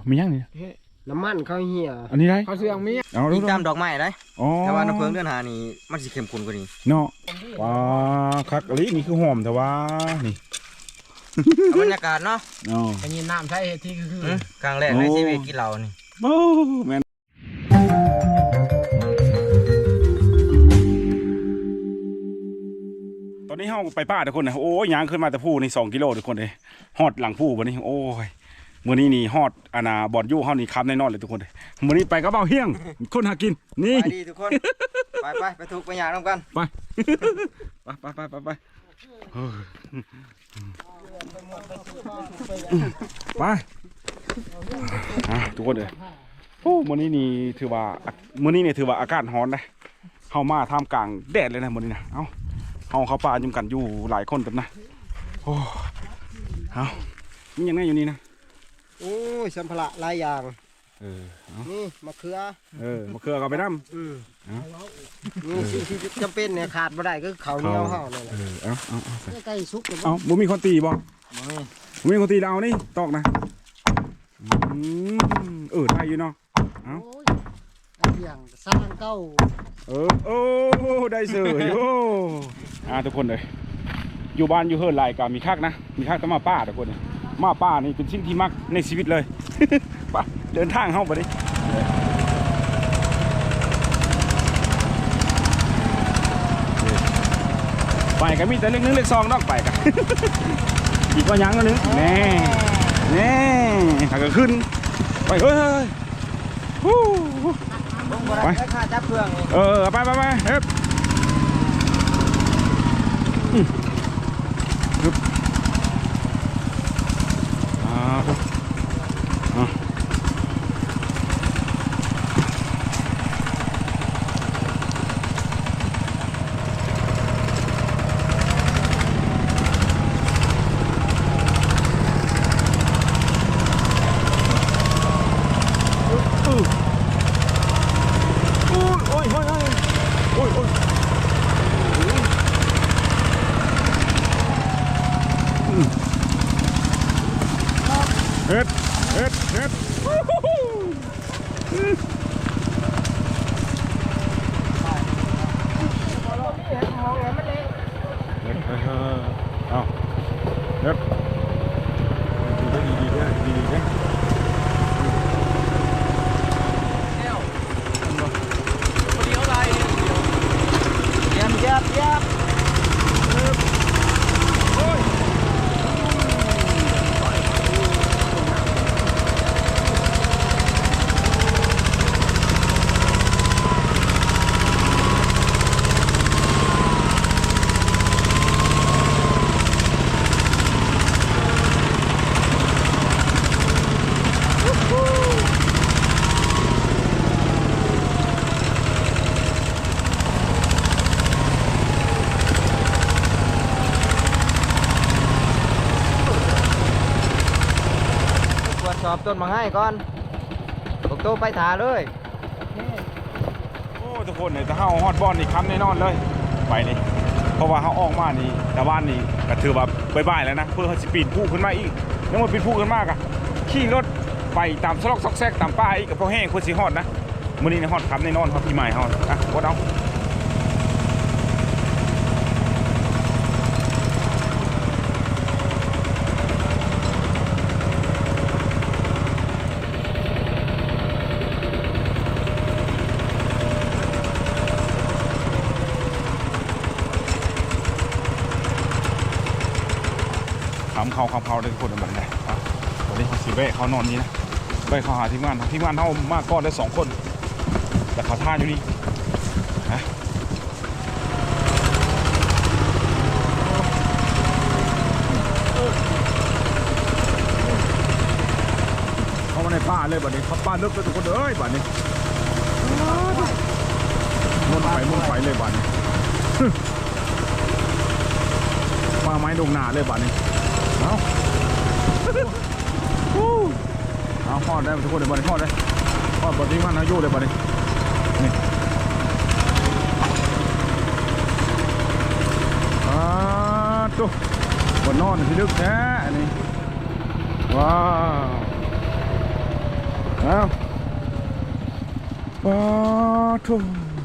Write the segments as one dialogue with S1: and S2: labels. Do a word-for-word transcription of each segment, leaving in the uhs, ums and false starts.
S1: มียังนี่
S2: น้ำมันเขาเหี่ย
S1: อันนี้ได้
S2: เขาเสื่องมี
S1: เอาดู
S3: จำดอกไม้ได้แต่ว่าน้ำเพิงเดือนหานี่มันสิเข้มข้นกว่านี้
S1: เนาะว้าคักอันนี้นี่คือหอมแต่ว่านี่
S3: บรรยากาศเนาะ
S1: อ๋อ
S2: อันนี้น้ำใช้ที่คื
S3: อกลางแรกในชีวิตกินเหล้านี่
S1: โอ้แม่นตอนนี้เฮาไปป่าทุกคนนะโอ้ยยางขึ้นมาแต่ผู้นี่สองกิโลทุกคนเลยฮอดหลังผู้วันนี้โอ้ยมื้อนี้นี่ฮอดอาณาบอดยู่เฮานี่คับแน่นอนเลยทุกคนเลยมื้อนี้ไปกับเบาเฮียงคนหากินนี่
S3: ไปดีทุกคนไปไปไปทุกไปยางน้ำกัน
S1: ไปไปไปไปไปไปไปทุกคนเลยโอ้มื้อนี้นี่ถือว่ามื้อนี้เนี่ยถือว่าอากาศร้อนนะเฮามาท่ามกลางแดดเลยนะมื้อนี้นะเอ้าเฮาเข้าป่ายุ่งกันอยู่หลายคนเต็มนะโอ้เอ้านี่ยังไงอยู่นี่นะ
S2: โอ้ยสัมภาระหลายอย่าง
S1: เออ
S2: นี่มะเขือ
S1: เออมะเขือเอาไปน้
S2: ำอืมนี่สิ่งที่จำเป็นเนี่ยขาดไม่ได้ก็เขาเหนียวห่อเลย
S1: เออเอาเอาเอา
S2: ใกล้ซุก
S1: เอาบุมีคนตีบ่บุมีคนตีเรานี่ตอกนะเออได้อยู่เนาะเอา
S2: อย่างสร้างเก้า
S1: เออโอ้ได้เสือโอ้อ่าทุกคนเลยอยู่บ้านอยู่เฮิร์นไรก็มีคักนะมีคักต้องมาป้าทุกคนมาป้านี่เป็นสิ่งที่มักในชีวิตเลยไปเดินทางเข้าไปดิไปกันมีแต่เล็กนึงเล็กซองนอกไปกันอีกว่ายังก็นึงแน่แน่ถ้าก็ขึ้นไปเฮ้ยไปเออไปไปไปเฮ้ยเฮ็ดเฮ็ดเฮ็ดเฮ็ดเอาเฮ็ดดีดีดีดีดีดี
S3: เยี่ยมเยี่ยมเยี่ยมสอบต้นมาให้ก่อนตกโตไปถาเลย
S1: โอ้ทุกคนเนี่ยถ้าเขาฮอดบอลนี่ค้ำแน่นอนเลยไปนี่เพราะว่าเขาออกมานี่แต่บ้านนี่ก็ถือว่าบายๆแล้วนะเพื่อเขาจะปีนผู้ขึ้นมาอีกยังมาปีนผู้ขึ้นมากอะขี่รถไปตามซอกซอกแซกตามป้าอีกกับพวกแห้งคนสีฮอดนะมื้อนี้ในฮอดค้ำแน่นอนเขาพี่ใหม่ฮอดนะวดเอาคำเขาคำเขาได้ทุกคนแบบไหนตอนนี้เขาสีเบ้เขานอนนี้นะเบ้เขาหาทีมงานทีมงานเขามากก้อนได้สองคนแต่เขาท่าอยู่นี่นะเขามาในป่าเลยบัดนี้เขาป่าลึกเลยทุกคนเอ้ยบัดนี้มุนไปมุนไปเลยบัดนี้มาไม้ดงหนาเลยบัดนี้เอาเอาทอดได้ทุกคนเลยบัดนี้ทอดได้ทอดบดที่มันอายุเลยบัดนี้นี่อ่าตุ๊บนนอนที่ลึกแท้อันนี้ว้าวเอาปาทุ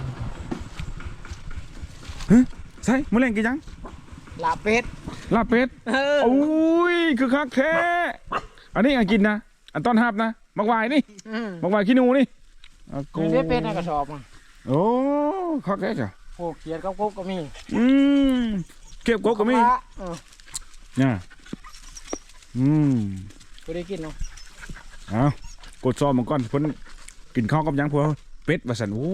S1: ฮะใช่มื้อแรงกี่จัง
S2: ลาเป็ด
S1: ลาบเป็ดโอ้ยคือคักแท้อันนี้อันกินนะอันต้อนรับนะมักวายนี่มักวายขี้หนูนี่
S2: มีได้เป็ดในกระสอบอ่ะ
S1: โอ้คักแท้จ้ะ
S2: โอ้เขียดกับกุ๊กก็มี
S1: อืมเก็บกบก็มีเนี่ยอืม
S2: กูได้กินเนาะ
S1: เอากดซอมมันก่อนเพิ่นกินข้าวกับหยังพวกเป็ดว่าซั่นโอ้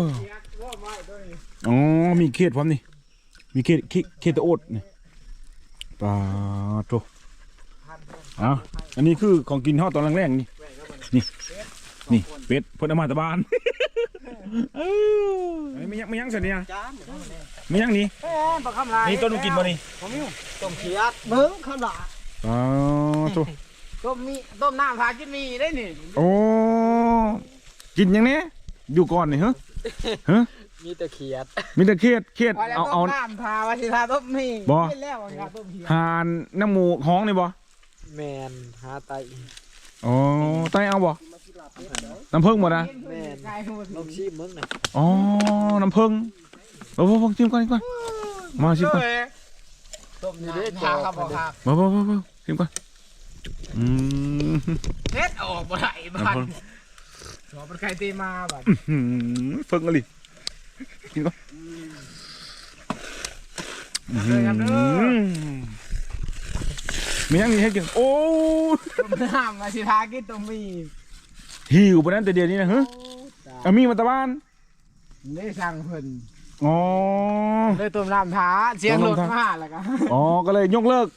S1: อ๋อมีเขียดพร้อมนี่มีเขียดเขียดเขียดตะโอดนี่ปลาโตเอาอันนี้คือของกินเฮาตอนแรกๆนี่นี่นี่เป็ดเพิ่นเอามาแตะบานเออไม่ยังไม่ยังซั่นนี่นะไม่ยังนี่
S2: เอ้ยปลาคำลาย
S1: นี่ต้นมันกินบ่นี่
S2: ผมอยู่ต้มเขียดเบิ้งคำลา
S1: ปลาโต
S2: ต้มมีต้มน้ำพากินมีได้นี่
S1: โอ้กินยังเนี้ยอยู่ก่อนนี่ฮะฮะ
S2: มีแต่เขียด
S1: มีแต่เครียดเครียด
S2: เอา
S1: เอา
S2: ต้
S1: เอา
S2: มน้ำพาว่าสิทาต้มมี
S1: บ่
S2: กินแล้วว่าสิทาต้มเขียด
S1: หานน้ำหมูห้องนี่บ่
S2: แมนหาไต
S1: อ๋อไตเอาบ่น้ำผึ้งบ่นะ
S2: แมนลองชิมมึงนะ
S1: อ๋อน้ำผึ้งบ่บ่บ่ชิมก่อนชิมก่อนมาชิมก่อน
S2: ต้มนี่ได้ทาครับบ่ครับ
S1: บ่บ่บ่บ่ชิมก่อนอืม
S2: เฮ็ดออกบ่ได้บ้าน
S1: น้ำผึ้ง
S2: ขอเป็นใครตีมาบัด
S1: อืมผึ้งอะไรกินก่อนอืมมียังมีให้กินโอ้
S2: ต้มน้ำว่าสิทากินต้มมี
S1: หิวปานนั้นแต่เดียวนี้นะฮะเอามีมาตะบ้าน
S2: ได้สั่งเพิ่น
S1: อ๋อ
S2: เลยต้มน้ำท้าเสียงรถมาแล้วก็
S1: อ๋อ ก็เลยยกเลิก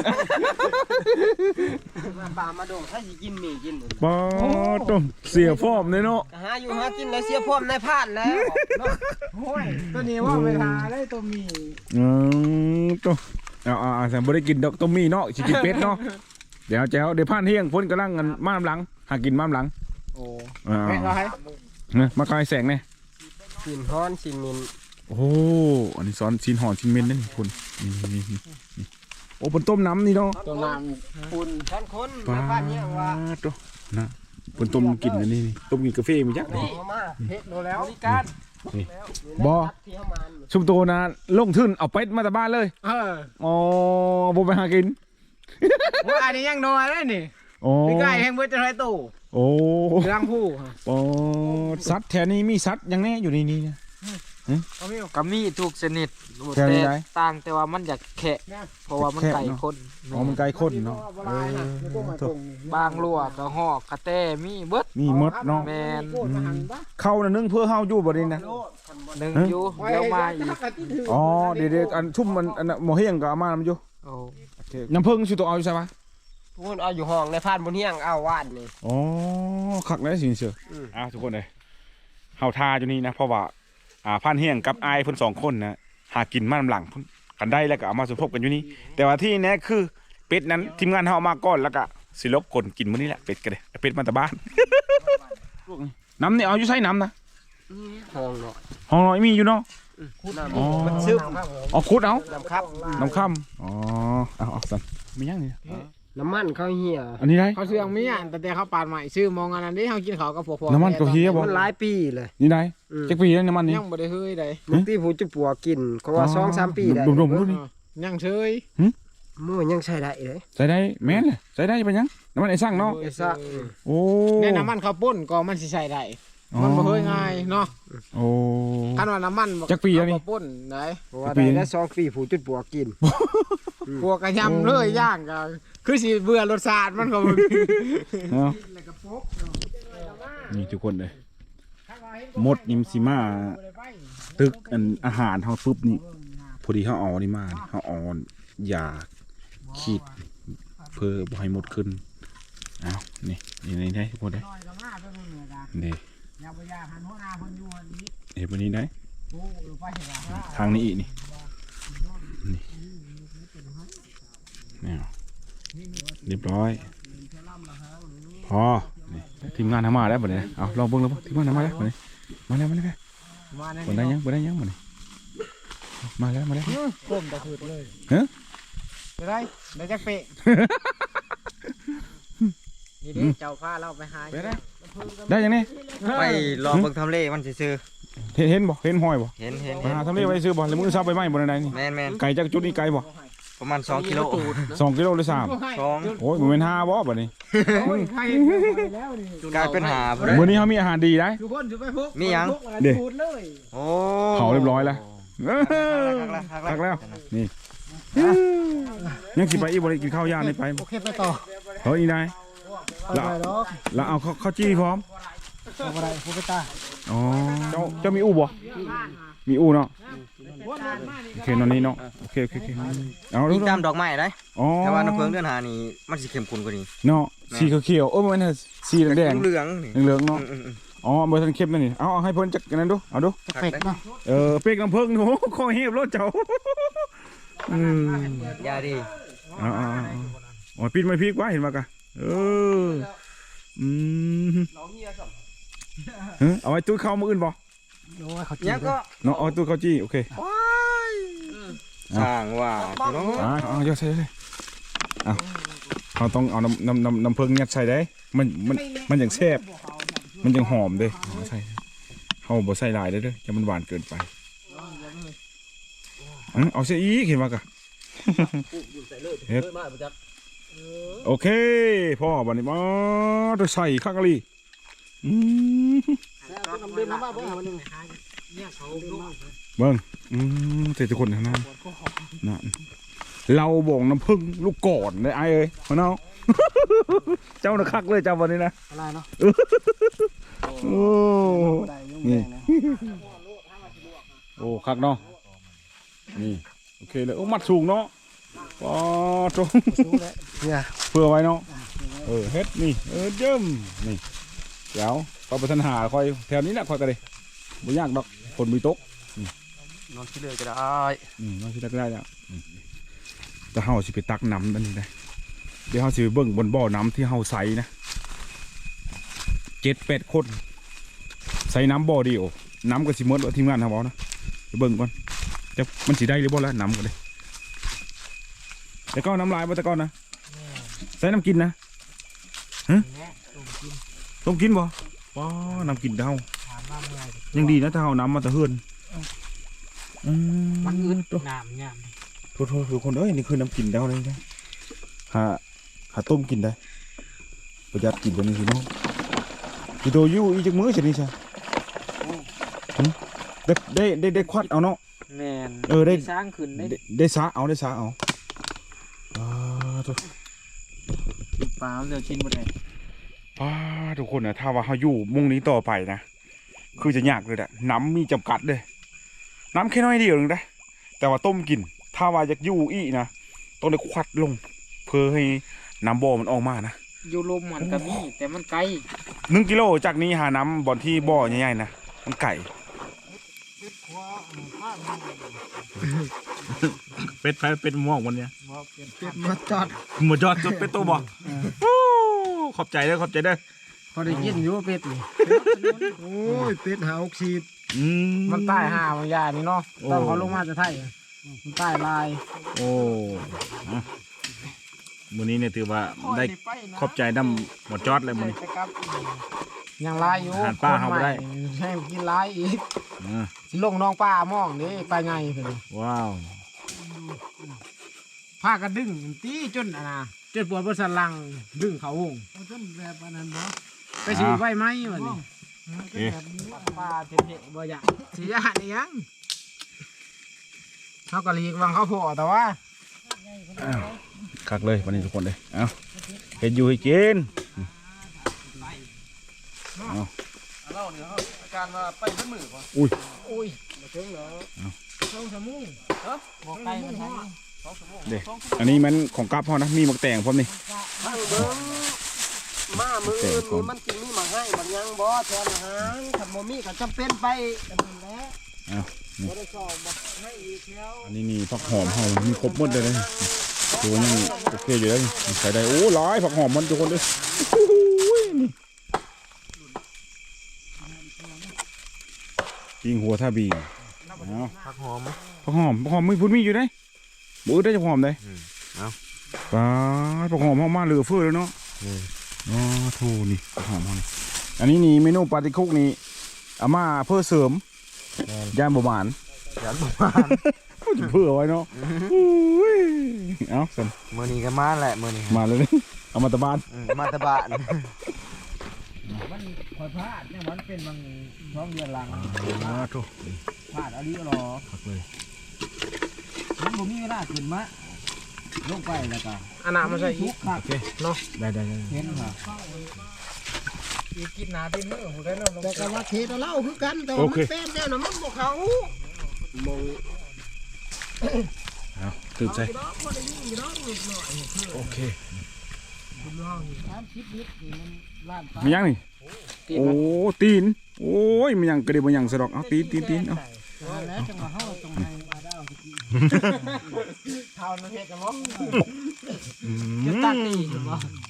S2: ปลามาโดงถ้าสิกินมีกิน
S1: ปอต้มเสียฟอมเลยเนาะ
S2: หาอยู่หากินแล้วเสียพร้อมในพลาดแล้วโอ้ยตัวนี้ว่าเวลาได้ต้มมี
S1: อืมต้มเอาเอาเอาแต่บ่ได้กินดอกต้มมีเนาะสิกินเป็ดเนาะ เดี๋ยวแจ้วเดี๋ยวผ่านเที่ยงพ้นกำลังกันมาน้ำหลัง หากินมาน้ำหลัง
S2: โอ้
S1: อ่า
S2: ไม่ไร
S1: เนี่ยมาคลายแสงเนี่ย
S2: ชินฮ้อนชินมิน
S1: โอ้โหอันนี้ซ้อนชิ้นห่อชิ้นเม็ดนั่นนี่คุณนี่นี่นี่นี่โอ้เป็นต้มน้ำนี่เนาะ
S2: ต้มน้ำคุณท่านคน
S1: ปลา
S2: บ้านนี้ว่า
S1: โตนะเป็นต้มกินอันนี้นี่ต้มกินกาแฟมีจักนี่
S2: เอามาเฮ็ดโดแล้วบริการ
S1: นี่บ่
S2: ที่เข้ามา
S1: ชุมโตนะลงทุนเอาเป็ดมาแต่บ้านเลย
S2: เออ
S1: อ๋อบ่ไปหากิน
S2: ว่าอันนี้ยังน้อยเลยนี่
S1: โอ้
S2: พี่ไก่แห่งเบิดจะไรตู้
S1: โอ้
S2: เรื่องผู้
S1: โอ้สัตว์แถวนี้มีสัตว์อยังแน่อยู่ในนี้นะ
S2: เอาไม่
S3: ก็มีทุกชนิด
S1: แค่นี้ได้
S3: ต่างแต่ว่ามันอยากแขะเพราะว่ามันไก่คน
S1: อ๋อมันไกลคนเนาะเออ
S3: บางลวกกระหอกกระแตมีเบิด
S1: มีมดเนาะ
S3: แมน
S1: เข้าน่ะนึ่งเพื่อเฮาอยู่บ่ได้นะ
S3: หนึ่งอยู่เดี๋ยวมาอีก
S1: อ๋อเดี๋ยวๆอันชุ่มมันอันน่ะหมอเฮียงก็เอามานำอยู่
S3: โอ้
S1: น้ำผึ้งสิตัวเอาอยู่ใช่ปะ
S2: พูดเอาอยู่ห้องในพานบนเฮียงเอาว่านนี่
S1: อ๋อคักแล้วสิเสืออ่ะทุกคนเลยเฮาทาอยู่นี่นะเพราะว่าอ่าพันเฮียงกับอายเพิ่นสองคนนะหากินมาน้ำหลังเพิ่นกันได้แล้วก็เอามาสมทบกันอยู่นี่แต่ว่าที่แน่คือเป็ดนั้นทีมงานเฮาเอามาก่อนแล้วก็สิลบคนกินมื้อนี้แหละเป็ดก็ได้เป็ดมาแต่บ้าน น้ำนี่เอาอยู่ใส่น้ำนะ
S2: ห้องเนาะ
S1: ห้องน้อยมีอยู่เนาะ อ๋อ
S2: มันซึม
S1: เอาคุดเอา
S2: น้ำครับ
S1: น้ำค่ำอ๋อเอาเอาสั่นมียังนี่
S2: น้ำมันเขาเหี่ย
S1: อันนี้ได้
S2: เขาเสื่องมีอ่ะแต่แต่เขาปาดใหม่ชื่อมองอันนั้นที่เขากินเขากับพวกๆ
S1: น้ำมันก็เฮียบ่
S2: มันหลายปีเลย
S1: นี่ได้
S2: อืม
S1: จักปีแล้วน้ำมันนี่
S2: ยังบ่ได้เฮ้ยได้ลูกที่ผู้จะปัวกินเขาว่า
S1: อ๋อ
S2: สองสามปีได้
S1: ดมๆดูดิ
S2: ยังเชย มู่ยังใช้ได้เลย
S1: ใส่ได้แม่นเลยใส่ได้เป็นยังน้ำมันไอ้สั่งเนาะ
S2: ไอ้ซ่า
S1: โอ้
S2: ในน้ำมันเขาป่นก็มันสิใช้ได้มันบ่เฮ้ยง่ายเนาะ
S1: โอ้
S2: คันว่าน้ำมัน
S1: จักปีแล้วนี่
S2: เขาป่นได้
S1: เพราะว่าได้ได้สอง
S2: ปีผู้จุดปัวกินปัวกระยำเลยย่างก็คือสิเบื่อรสชาติมันก็บ่มี
S1: เนาะนี่ทุกคนเลยมดยิมซิมาตึกอันอาหารเฮาปุ๊บนี่พอดีเฮาเอานี่มานี่เฮาเอายาขีดเพื่อบ่ให้มดขึ้นอ้าวนี่นี่นี่ได้ทุกคนได้นี่เห็นวันนี้ได้ทางนี้อีกนี่นี่นี่เรียบร้อยพอนี่ทีมงานทำมาแล้วบ่เนี่ยเอาลองเบิ่งแล้วบ่ทีมงานทำมาแล้วบ่เนี่ยมาแล้วมาแล้วบ่ได้ยังบ่ได้ยังบ่เนี่ยมาแล้วมาแล้ว
S2: ก้มตะขืดเลย
S1: ฮะ
S2: จะได้ได้จักเปะนี่เด้เจ้าพาเราไปหา
S1: ไปได้ได้ยังนี่
S3: ไปรอเบิ่งทำเลมันซื่อ
S1: เห็นเห็นบ่เห็นห้อยบ่
S3: ๆเห็นเห็น
S1: หาทำเลไว้ซื้อบ่แล้วมือซับไปไหมบ่ได้นี่
S3: แม่นแม่น
S1: ไก่จากจุดนี้ไกลบ่
S3: ประมาณสองกิโล
S1: สองกิโลหรือสาม
S3: สอง
S1: โอ้ยมันเป็นห้าบ่บัดนี้
S2: โอ้ยใครแล้วนี่
S3: กลายเป็นหาบ่
S1: มื้อนี้เฮามีอาหารดีได้
S2: ทุกคนจะไปพก
S3: มีหยัง
S1: เด้
S2: พูดเลย
S3: โอ้
S1: เผาเรียบร้อยแล้วเออ
S3: คักแล้ว
S1: คักแล้วนี่ยังสิไปอีกบ่ได้กินข้าวย่างนี่ไป
S2: โอเคไปต่อ
S1: เฮ้ยอีนาย
S2: ไปดอก
S1: แล้วเอาข้าวข้าวจี้พร้อม
S2: เอาอะไรพูดไปตา
S1: อ๋อเจ้าเจ้ามีอู่บ่มีอู่เนาะโอเคนอนนี้เนาะโอเคโอเคโอเคเอา
S3: มี
S1: ดู
S3: ตามดอกไม้ได้
S1: อ๋อ
S3: แต่ว่าน้ำเพิงเดือนหานี่มันสิเข้มข้นกว่านี้
S1: เนาะสีเขียวๆเออมันสีแดง
S3: เหลืองๆนี่
S1: ๆเหลืองๆเนาะ
S3: อืม
S1: อ๋อเบอร์ทันเข้มนั่นนี่เอาเอาให้เพิ่นจักกันนั้นดูเอาดู
S3: ๆ
S2: เป็ดเนาะ
S1: เออเป๊กน้ำเพิ่งโอ้โหคอเหียบรถเจ้าอืม
S3: ยาดี
S1: เอาเอาเอาโอ้ยปิดไม่พริกวะเห็นมากะเอออืมเออเอาไว้ตู้เข้ามืออื่นบ่
S2: โอ้ยเขา
S3: ยังก็
S1: เนาะเอาตู้เข้าจี้โอเค
S3: สร้างว่าพี่น้อง
S1: อ่าเอาเยอะใส่เลยเอาเขาต้องเอาน้ำน้ำน้ำน้ำเพิ่งยัดใส่ได้มันมันมันอย่างแซ่บมันยังหอมเด้เอาใส่เขาบ่ใส่หลายเด้อเด้อจะมันหวานเกินไปเออเอาเสียอีกเห็นมากะเฮ็ดโอเคพ่อบัดนี้มาจะใส่ข้างกะลีอืม
S2: เดินมาบ้าบ่มันนึงเนี่ยเขาลูก
S1: เบิ่งอืมเสร็จทุกคนทั้งนั้นนั่นเราบ่งน้ำผึ้งลูกก่อนเลยไอ้เอ้ยพ่อน้อง เจ้าน่ะคักเลยเจ้าวันนี้นะ
S2: อะไรเนาะ
S1: โอ้นี่โอ้คักเนาะนี่โอเคเลยโอ้มัดสูงเนาะว้าตรง
S2: เนี่ย
S1: เพื่อไว้เนาะเออเฮ็ดนี่เออเจิ้มนี่เดี๋ยวก็ไปทันหาคอยแถวนี้แหละคอยกันเลยไม่ยากดอกคนมีโต๊ะ
S3: นอนที่เลยก็ได้
S1: อืมเราสิได้ก็ได้แล้วอืมแต่เฮาสิไปตักน้ำนั่นนี่ได้เดี๋ยวเฮาสิไปเบิ่งบนบ่อน้ำที่เฮาใส่นะเจ็ดแปดคนใส่น้ำบ่อเดียวน้ำก็สิหมดว่าทีมงานทำเอานะไปเบิ่งก่อนจะมันสิได้หรือบ่ละน้ำกันเลยแต่ก็น้ำลายบ่แต่ก่อนนะใส่น้ำกินนะฮะต้มกินบ่ว้าน้ำกินเท่ายังดีนะถ้าเอาน้ำมาตะเฮือนอืม
S2: มันอึดน้ำเนี่ย
S1: โทษโทษทุกคนเอ้ยนี่คือน้ำกินเท่าเลยนะหาหาต้มกินได้ประหยัดกินตัวนี้สิน้องกิโดยูอีจักมื้อจะนี่ใช่ได้ได้ได้ได้ควัดเอาเนาะ
S2: แม่น
S1: เออได้
S2: สร้างขึ้นได้
S1: ได้ได้สาเอาได้สาเอาอ่าทุก
S2: ปลาเลือกชิ้นบนไหน
S1: ป้าทุกคนนะถ้าว่าเขาอยู่มุ่งนี้ต่อไปนะคือจะยากเลยแหละน้ำมีจำกัดเลยน้ำแค่น้อยเดียวนึงได้แต่ว่าต้มกิน ถ้าว่าจะอยู่อีนะต้องได้ควัดลง เพื่อให้น้ำบ่อมันออกมานะ
S2: อยู่ลมมันก็มีแต่มันไกล
S1: หนึ่งกิโลจากนี้หาน้ำบ่อนที่บ่อใหญ่ๆนะมันไก่เป็ดไฟเป็ดม่วงวันเนี้ย
S2: เป็ดมาจอด
S1: หมดยอดจุดเป็ดตัวบ่ขอบใจเด้อขอบใจเด้อ
S2: พอได้ยินอยู่เป็ดนี่โอ้ยเป็ดหาออกซิด
S1: อืม
S2: มันใต้หาบางอย่างนี่เนาะ
S1: โอ้
S2: ต้องเขาลงมาจะไทยมันใต้ลาย
S1: โอ้อ่ะมื้อนี้เนี่ยถือว่าได้ขอบใจน้ำหมดจอดเลยมื้อนี้
S2: ยังลายอยู่
S1: อาหารป่าเฮาบ่ได้
S2: คนใหม่ให้กินลายอีก
S1: อ่า
S2: สิลงน้องป้ามองนี่ไปไงเพิ่น
S1: ว้าว
S2: พากันดึงตีจนอะนะจนปวดบนสันหลังดึงเขาหงจนแบบนั้นบ่ไปสิไฟไหมวะนี่
S1: โอเค
S2: ป้าเทะๆบ่อยากสิยานอีหยังเขาก็หลีกวังเขาโผล่แต่ว่า
S1: อ้าวคักเลยวันนี้ทุกคนเลยเอาเห็นอยู่ให้กินเอา
S3: เราเนี่ยอาการว่าไปขึ้นมือป่ะ
S1: อุ้ย
S2: อุ้ยมาถึงเหรอช่องสมุงเออบอกไกลมันทัน
S1: เด็กอันนี้มันของกับพ่อนะมีหมักแตงพร้อมนี่
S4: มาเบิ้งมามืออื่นนี่มันกินมีมาให้มันยังบ่แทนอาหารถ้าบ่มีก็จำเป็นไปกันนั่นแหละ
S1: เอานี่
S4: บ่ได้สอบบ่ให้อีกแล้ว
S1: อันนี้นี่ผักหอมเฮามีครบหมดเลยนะตัวยังโอเคอยู่เลยใส่ได้โอ้หลายผักหอมมันทุกคนเลยโอ้ยนี่ยิงหัวท่าบีเอา
S3: ผักหอม
S1: ผักหอมผักหอมมีพุ่นมีอยู่ได้บุ้ได้ผักหอมได้
S3: เอา
S1: ปลาผักหอมเฮามาเหลือเฟือเลยเนาะอ๋อทูนี่หอมมันอันนี้นี่เมนูปาติคุกนี่เอามาเพื่อเสริมย่านบหวาน
S3: ยันบ่มา
S1: จะเพื่อไว้เนาะอุ้ยเอาสัน
S3: มื้อนี้ก็มาแหละมื้อนี้
S1: มาเลยเอามาตะบาน
S3: อืมมาแตะบ้าน
S2: มันคอยพลาดเนี่ยมันเป็นบางช่องเดือนหลัง
S1: อ๋อทู
S2: พลาดอะไรก็รอ
S1: พักเลย
S2: มันบ่มีเวลาขึ้นมาลงไปแล้วก็อันน่ะมันใส่อีกครับ
S1: โอเคเนาะได้ได้ได้
S2: เห็นค่ะอีกินหนาเป็นมือหูได้เนาะ
S4: แต่ก็ว่าเทเราเล่าคือกันแต่ว่ามันเป็นแน่น่ะมันบ่เขามอง
S1: เอาตื่นใจ
S4: ดอกบ่ได้ยิงดอกนิดหน่อย
S1: โอเค
S4: สามสิบลิตรนี่มันล้านปลา
S1: มียังนี่โอ้ตีนโอ้ยมันยังกระเดียบมันยังสะดอกเอาตีนตีนตีนเอา
S4: แล้วจังว่าเฮาต้องให้อาดาวสิกิน
S2: เท่านั้นเฮ็ดกันบ่
S1: อื
S2: จะ
S1: ม
S2: ตัดตีกันบ่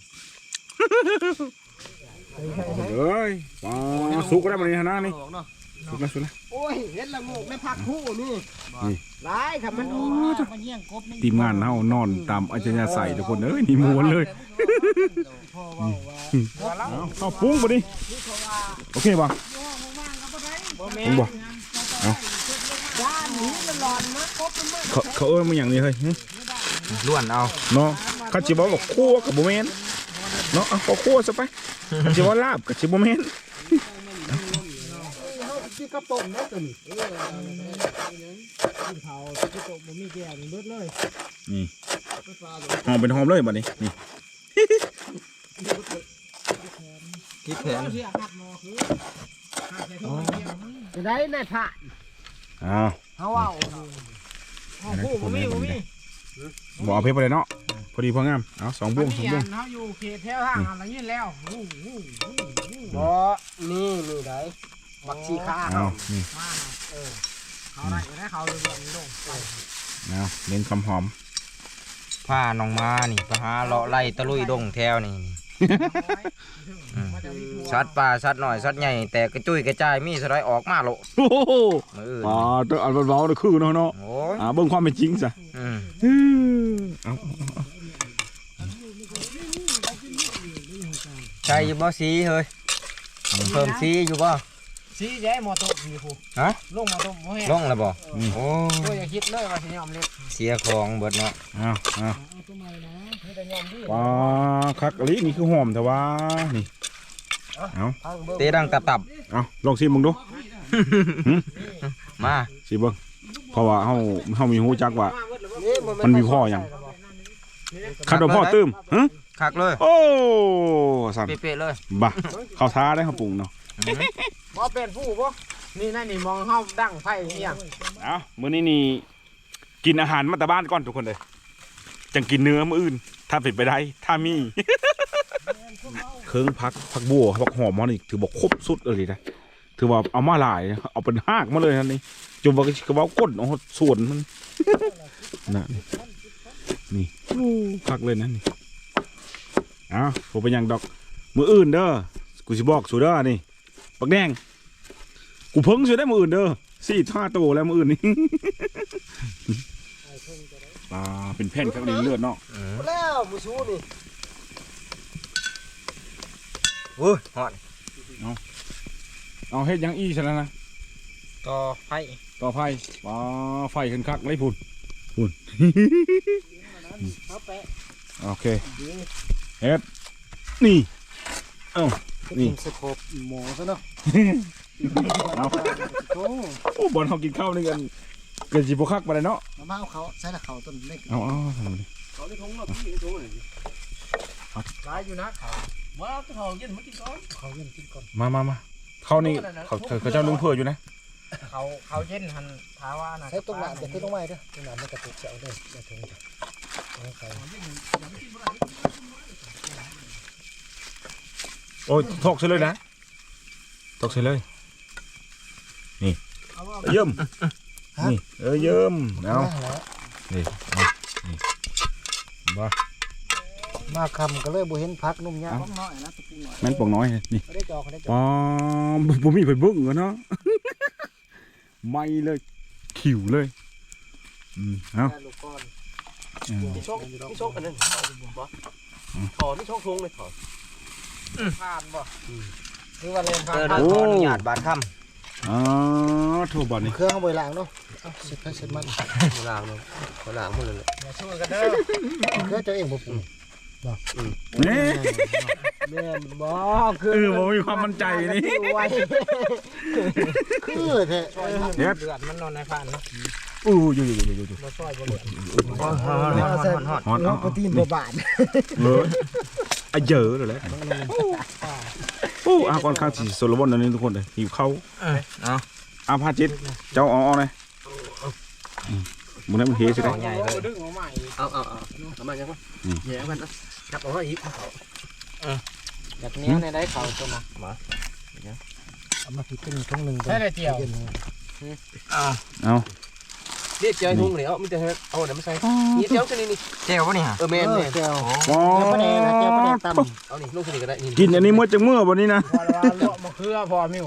S1: เอ้ยปลาสุกได้มานี่ฮะนะนี่สุกแล้วสุกแล้ว
S4: โอ้ยเห็นละโงกในผักคู่นี่
S1: นี่
S4: หลายค่ะมันออกมาเยี่ยงกบนี่
S1: ทีมงานเฮานอนตามอัจฉริยะใส่ทุกคนเอ้ยนี่ม้วนเลย
S4: พ่อว่าว่า
S1: เอาเอาปรุงบ่ดิโอเคป่ะปรุงบ่เอา
S4: ด้านนี้มันร้อนนะกบมัน
S1: เขาเขาเอ้ยมันอย่างนี้เฮ้ยหึ
S3: ล้วนเอา
S1: เนาะเขาจิบอกว่าคั่วกับบ่แม่นเนาะเอาก็คั่วซะไปเขาจิว่าลาบกับจิบ่แม่น
S4: ที่กระป๋องนะตัวนี้
S2: เท่าที่ตกบ่มีแก้วนี่เบิดเลย
S1: นี่หอมเป็นหอมเลยบัดนี้นี่
S3: คิดแผน
S2: เสียหักหมอคือหักใส่ถุงเดียว
S4: จะได้ในผ้า
S1: อ้าว
S4: เฮาเอา
S2: อ๋อผู้บ่มีบ่มี
S1: บ่เอาเพชรไปเลยเนาะพอดีพองามเอาสองบุ้งสองบุ้ง
S2: เฮาอยู่เขตแถวทางอะไรนี่แล้วอู้หู้
S4: บ่นี่นี่ได้บักชีข้า
S1: เอานี่
S2: มาเออเขาได้ได้เขาเลยบ่ลงไป
S1: เอาเน้นความหอม
S3: ผ้าน้องมานี่ไปหาเลาะไล่ตะลุยดงแถวนี่อืมสัตว์ป่าสัตว์น้อยสัตว์ใหญ่แต่กระจุยกระจายมีสไลด์ออกมาโล
S1: โอ้โห
S3: มื้ออื่น
S1: อ่าตัวอันเบาๆนี่คือเนาะเนาะ
S3: โอ้ย
S1: อ่าเบิ่งความเป็นจริงซะ
S3: อืม
S1: เอา
S3: ใช่อยู่บ่สีเฮ้ยเพิ่มสีอยู่บ่
S2: สีแย่หมอตกมีผู้
S3: ฮะ
S2: ลงหมอตกบ่แห้ง
S3: ลงแล้วบ่โอ้
S2: โอ้ยอย่าคิดเลยว่าสิยอมเล็ก
S3: เสียของเบิดเนาะ
S1: เอาเอา
S2: มีแต่ยอมดี
S1: ปลาคักอลินี่คือหอมแต่ว่านี่เอา
S3: เตะดังตับตับ
S1: เอาลองชิมมึงดู
S3: มา
S1: สิเบิ่งเพราะว่าเฮาเฮามีฮู้จักว่า
S4: นี่
S1: มันมีพ่อหยังคันว่าพ่อตื้มฮะ
S3: คักเลย
S1: โอ้สั่น
S3: เป๊ะๆเลย
S1: บ่เข้าท้าได้ครับปรุงเนาะ
S3: อืม
S2: บ่เป็นผู้บ่นี่นั่นนี่มองเฮาดังไผอีหยัง
S1: เอามื้อนี้นี่กินอาหารมาแต่บ้านก่อนทุกคนเลยจังกินเนื้อมื้ออื่น ถ้าเป็นไปได้ถ้ามี เครื่องพักผักบัวผักหอมมันนี่ถือบอกครบสุดเลยนะถือว่าเอามาหลายเอาเป็นหากมาเลยนะนี่จนว่ากระเป๋าก้นเอาส่วนมัน นะนี่นี่พักเลยนะนี่อ้าวผมเป็นอย่างดอกมืออื่นเด้อกูสิบอกสูเด้อนี่ปักแดงกูเพิ่งสูได้มืออื่นเด้อสี่ท่าโตแล้วมืออื่นนี่ ปลาเป็นแผ่นครับนี่เลือดเนาะ
S3: อืม
S4: แล้วผู้ชูนี่
S3: โอ้ยฮอด
S1: เอาเฮ็ดหยังอีซะแล้วนะ
S3: ต่อไฟ
S1: ต่อไฟปลาไฟขึ้นคักเลยพุ่นพุ่น
S4: เอาแปะ
S1: โอเคเฮ็ดนี่เอ้า นี่
S4: กินสกบหมูซะเนาะ
S1: เอา
S4: โอ้
S1: โอ้บอลเขากินข้าวนี่กันเกิดสิบคักไปเลยเนาะ
S4: มาเอาเขาใส่ละเขาต้นเล็ก
S1: เอาเอาทำมาดิ
S4: เขาได้ทงเนาะพี่ทงเลย
S2: หลายอยู่นะเขา
S4: ว่าเขาเย็นมากินก่อนเขาเย็นกินก่อน
S1: มามามาเขานี่เขาเขาเขาเจ้าลุงเพื่ออยู่นะ
S2: เขาเขาเย็นหันท้าว่านะ
S4: ใช้ตรงหนามจะขึ้นตรงไม้ด้วยตรงหนามมันกระตุกเสียวเลยอย่าถึงจ้ะเอาใส่
S1: โอ้ยถกเฉยเลยนะถกเฉยเลยนี่เยิ่มนี่เออเยิ่มเอานี่มานี่มา
S4: มาคำก็เลยบุเห็นพักนุ่มยากน้อยนะตะปูหน่อย
S1: แม่นปองน้อยนี่
S4: ได้จอเขาได้จอ
S1: ปอมบ่มีไฟเบิ้งกันเนาะ ไม่เลยขิวเลยอืมเอา
S4: ลูกก้อน
S1: เอา
S5: นี่ช่องนี่ช่องอันนั้นบ่ถอนี่ช่องทงเลยถอ
S2: ผ่านบ่คือว่าเล่นผ่า
S3: เอน อเดี๋ยวขออนุญาตบาดค่ำ
S1: อ๋อถูกบ่นี่
S4: เครื่องเอาไปล้างเนาะเสร็จไปเสร็จมันล้างเนาะเขาล้างหมดเลย
S2: อย่าช่วยกันเด้อ
S4: เครื่องเจ้าเองบ่ปรุง
S1: นี่
S4: แม่นบ่
S1: เออบ่มีความมั่นใจนี่
S4: คือแท้
S1: เด็ด
S2: เดือดมันนอนในผ่านเนาะ
S1: อู้อยู่อยู่อยู่อยู่
S2: บ่ซอยบ่เหลือ
S3: ฮอนฮอนฮอนฮอน
S1: ฮอน
S4: เนาะโปรตีนบ่บาท
S1: เอออะเยอะเลยแหละอู้อาก่อนข้างสิโซโลมอนอันนี้ทุกคนเลยหิวข้าว
S3: เอา
S1: อาพาจิตเจ้าเอาเอาเลยมึงนั้นมันเฮใช่ไหม
S3: ใหญ่เลย
S2: ดึงออกมาอีก
S4: เอาเอาเอาเอามาจังวะแย่มันจับเอาไว้อีกเอา
S2: แบบนี้ในได้เขาตัวนะ
S4: เอามาผิดเป็นทุ่งนึง
S2: ใช่เลยเจียว
S3: เอา
S1: เอา
S4: เรียกเจ้าทุ่งนี่เอามีแต่เอาเดี๋ยวมาใส่นี่เจ้าชนิดนี้
S3: เจ้าปะเนี่ย
S4: เออแม่นแม่เจ้า
S1: อ๋อ
S4: เจ้าปลาแดงนะเจ้าปลาแดงตำเอานี่ลูกชนิดก็ได้นี่
S1: กินอันนี้เมื่อจังเมื่อวันนี้นะ
S2: พอว่าลวกมะเขือพอมิว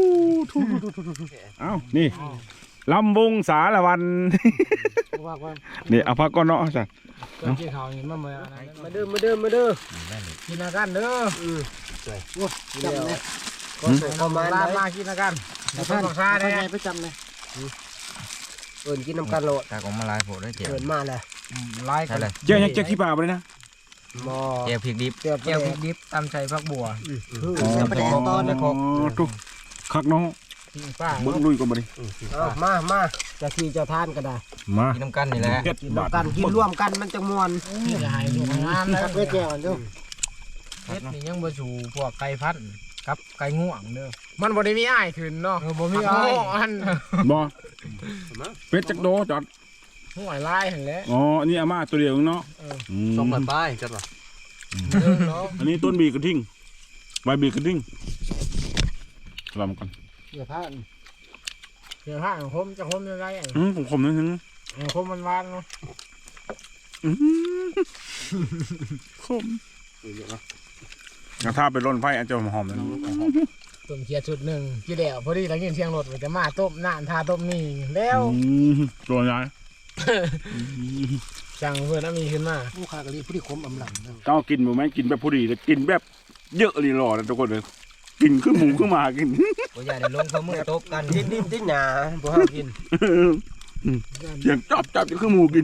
S1: เอานี่ลำวงสารวัน
S2: ว่าว่า
S1: นี่เอาพักก่อนเนาะจ้ะ
S2: เกิดที่เขานี่มาเมื่อนั้น
S4: มาเด้อมาเด้อมาเด้อ
S2: กินอากันเด้อ
S4: จำเลยก็ส่ง
S2: ป
S4: ประ ระ
S2: มา
S4: มา
S2: ณ
S4: ณ
S2: ลา
S4: ไหน
S2: มากินอากันแต่
S4: ท่า
S2: ต้
S4: น
S2: องซา
S4: ท่าน
S2: ได้
S4: ใหญ่ประจำเลยเอิญกินน้ำกันโลด
S3: ตากออกมาลายโผล่ได้เจ้า
S4: เอิญมาเลย
S2: ไล่
S3: ใช่
S2: กัน
S3: เลย
S1: เจ๊ยังเจ๊ขี้ปลาไปเลยนะ
S4: มอ
S3: เจ้าพริกดิบ
S4: เจ้า
S2: เจียวพริกดิบตำใส่ผักบัว
S4: คือเจ้าปลาแดงตอนนะ
S1: อ๋อทุกคักเนาะ
S2: ปิ้งป้า
S1: เบิ้งลุยก่อนมาดิ
S4: เอามามาจะที่จะทานก็ได้
S1: มา
S3: กินน้ำกันนี่แหละ
S1: เจ็ด
S4: กิน
S1: บาท
S4: น้ำกันกินร่วมกันมันจะมวน
S2: นี่จะหายถูกงานเลย
S4: ทักไว้แจ้งกันดู
S2: เฮ็ดนี่ยังบ่สู่พวกไก่พันธุ์กับไก่ง่วงเด้อมันบ่ได้มีอ้ายขึ้นเนาะบ่มีอ้ายอัน
S1: บอเป็ดจักโดจอด
S2: ห่วยลายหั่นแหละ
S1: อ๋ออันนี้อาม่าตัวเดียวเนาะม
S4: สองพันป้ายจัดวะ
S2: เด้อเนาะ
S1: อันนี้ต้นบีกระทิ่งใบบีกระทิ่งลำกัน
S4: เดี๋ยวพาน
S2: เดี๋ยวห้างผมจะผมยังไงอ่ะ
S1: อืมผมขมนิดนึง
S2: ผมมันหวานเนาะ
S1: อื้อหือขมถ้าไปร่นไฟอาจจะหอมๆนะ
S2: ต้มเคียชุดหนึ่งกี่เดียวพอดีแล้วยินเสียงรถมันจะมาต้มน้ำทาต้มนี่แล้ว
S1: อืมตัวใหญ่
S2: จังเพื่อนมีขึ้นมา
S4: ผู้ค้ากะลีผู้ที่คมอำหลังนะ
S1: เจ้ากินบ่แม่งกินแบบพอดีแต่กินแบบเยอะเลยหล่อนะทุกคนเลยกินขึ้นหมูขึ้นมากิน
S3: โอ้ยอย่าได้ลงเขามือตบกัน
S4: ดิ้นดิ้นดิ้นหนาบ่ห้ามกิน
S1: เสียงจับจับจะขึ้นหมูกิน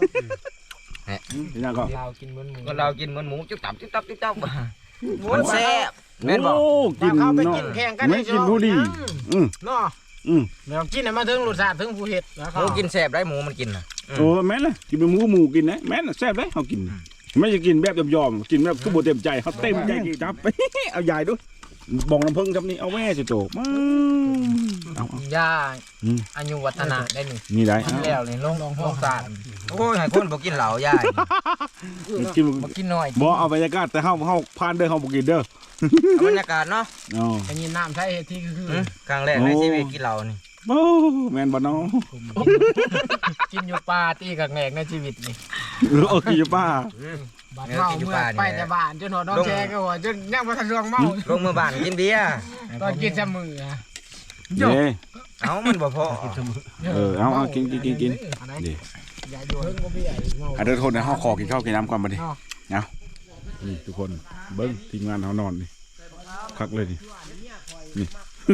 S1: นี่ก็
S2: เรากินเหมือนหมู
S3: ก็เรากินเหมือนหมูจุ๊บตับจุ๊บตับจุ๊บตับมันแซ่บแม่นบอก
S1: โอ้กิน
S2: เข้าไป
S1: เนาะ
S2: กินแข่งกัน
S1: ไม่กินผู้ดีอืม
S2: เนาะ
S1: อืม
S2: เรากินมาถึงรสชาติถึงผู้เห็ดนะค
S3: ห
S2: รับ
S3: มูกินแซ่บได้หมูมันกินนะ
S1: โอ้แม่นเลยกินเป็นหมูหมูกินนะแม่นแซ่บเลยเขากินไม่จะกินแบบยอมๆกินแบบทุบเต็มใจเขาเต็มใจจับไปเอาใหญ่ด้วยบองน้ำผึ้งครับนี่เอาแม่สิโตมาเอา
S2: ยาอายุวัฒนะได้หนึ่ง
S1: นี่ได้
S2: แล้วนี่ลงลงลงสาร
S3: โอ้ยให้คนบอกกินเหล้ายาย
S1: กิน
S2: มากินหน่อย
S1: บ่เอาบรรยากาศแต่เฮาเฮาผ่านเด้อเฮาบ่กินเด้อ
S3: บรรยากาศเนาะ
S1: อ๋อ
S2: อันนี้น้ำใช้ที่คือ
S3: ครั้งแรกในชีวิตกินเหล้านี่
S1: โอ้แม่นบ่เนาะ
S2: กินอยู่ปลาตีกับแงกในชีวิตนี่
S1: เออเอากินอยู่ป้า
S2: บาดเมาเมื่อไปแต่บ้านจนหัวน้องแชร์ก็หัวจนยังมาทะลวงเมา
S3: ลงมือบ้านกินเบียร์
S2: ตอนกินจะมือ
S1: เด้
S3: เอ้ามันบ่พอ
S1: เออเอาเอากินกินกินกินดิ
S2: อย่าดูเพิ่งก็พี่ใหญ่เมา
S1: อ่ะเดี๋ยวโทษนะเฮาขอกินข้าวกินน้ำก่อนบัดนี้เอานี่ทุกคนเบิ่งทีมงานเฮานอนนี่คักเลยนี่นี่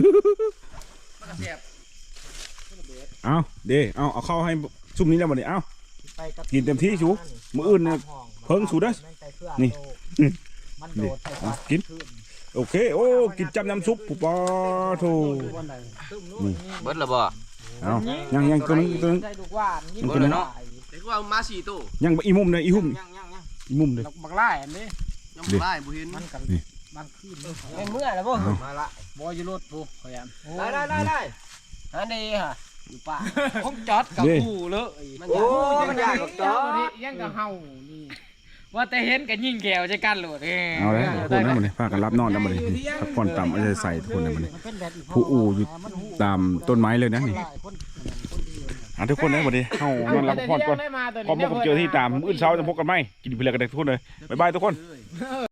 S1: เอาเด้เอาเอาเข้าให้ซุ่มนี้แล้วบัดนี้เอากินเต็มที่ชูมื้ออื่นเนี่ยเพิ่งสูเด้อนี่นี่เอากินโอเคโอ้กินจำน้ำซุปปุ๊บปอโธ่นี่
S3: เบิดละบ่
S1: เอายังยังตัวนึงตัวนึง
S2: ใส่ลูกว่าน
S3: เบิดละเนาะ
S4: เด็กว่ามาสี่ตู้
S1: ยังอีมุมเลยอีหุ่ม
S3: ยังยังยัง
S1: อีมุมเลย
S2: บักไล่อันนี้
S4: ยังบ่ได้บ่เห็น
S2: มันกัน
S1: นี่
S2: บางคืน
S4: เป็นเมื่อแล้วบ่
S2: มาละบอยรถปุ๊ขยัน
S4: ได้ได้ได้ได้อันนี้ฮะอยู่ป่า
S2: ผมจอดกับกูเลย
S4: มัน
S3: โอ้
S4: อยาก
S3: มันยากกับจอ
S2: ยังกับเฮานี่ว่าแต่เห็นกันยิ่งแก้วจะกันโหลด
S1: เอาเลยทุกคนนะมันนี่พากันรับนอนแล้วมันนี่พักผ่อนต่ำเอาใจใส่ทุกคนนะมันนี่ผู้อู่อยู่ตามต้นไม้เลยนะนี่อ่ะทุกคนนะวันนี้เข้านอนรับพักผ่อนก่อนพร้อมพบกับเจอที่ตามมื้อเช้าจะพบกันไหมกินเพลินกันได้ทุกคนเลยบ๊ายบายทุกคน